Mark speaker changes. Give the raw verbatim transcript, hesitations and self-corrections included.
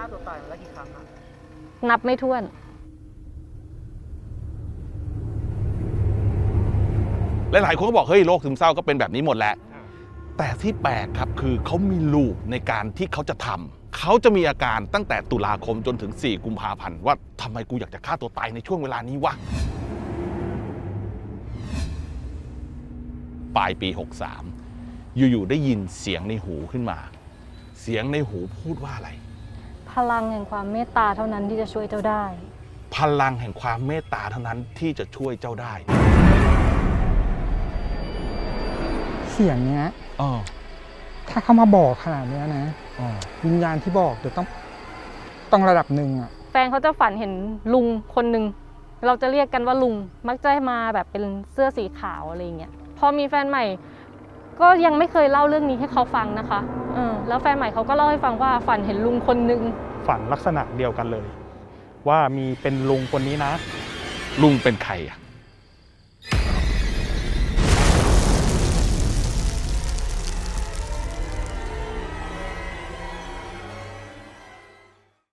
Speaker 1: าตัวตายมาแล้วกี่ครั้งอะ
Speaker 2: นับไม่ถ้วน
Speaker 3: หลายๆคนก็บอกเฮ้ยโรคซึมเศร้าก็เป็นแบบนี้หมดแหละแต่ที่แปลกครับคือเขามีลูปในการที่เขาจะทำเขาจะมีอาการตั้งแต่ตุลาคมจนถึงสี่กุมภาพันธ์ว่าทำไมกูอยากจะฆ่าตัวตายในช่วงเวลานี้วะปลายปีหกสามอยู่ๆได้ยินเสียงในหูขึ้นมาเสียงในหูพูดว่าอะไร
Speaker 2: พลังแห่งความเมตตาเท่านั้นที่จะช่วยเจ้าได้
Speaker 3: พลังแห่งความเมตตาเท่านั้นที่จะช่วยเจ้าได้
Speaker 4: เสียงเนี้ย
Speaker 3: อ๋อ
Speaker 4: ถ้าเขามาบอกขนาดนี้นะ
Speaker 3: อ๋อ
Speaker 4: วิญญาณที่บอกเดี๋ยวต้องต้องระดับหนึ่งอ่ะ
Speaker 2: แฟนเขาจะฝันเห็นลุงคนหนึ่งเราจะเรียกกันว่าลุงมักจะมาแบบเป็นเสื้อสีขาวอะไรเงี้ยพอมีแฟนใหม่ก็ยังไม่เคยเล่าเรื่องนี้ให้เขาฟังนะคะเออแล้วแฟนใหม่เขาก็เล่าให้ฟังว่าฝันเห็นลุงคนหนึ่ง
Speaker 5: ฝันลักษณะเดียวกันเลยว่ามีเป็นลุงคนนี้นะ
Speaker 3: ลุงเป็นใครอ่ะ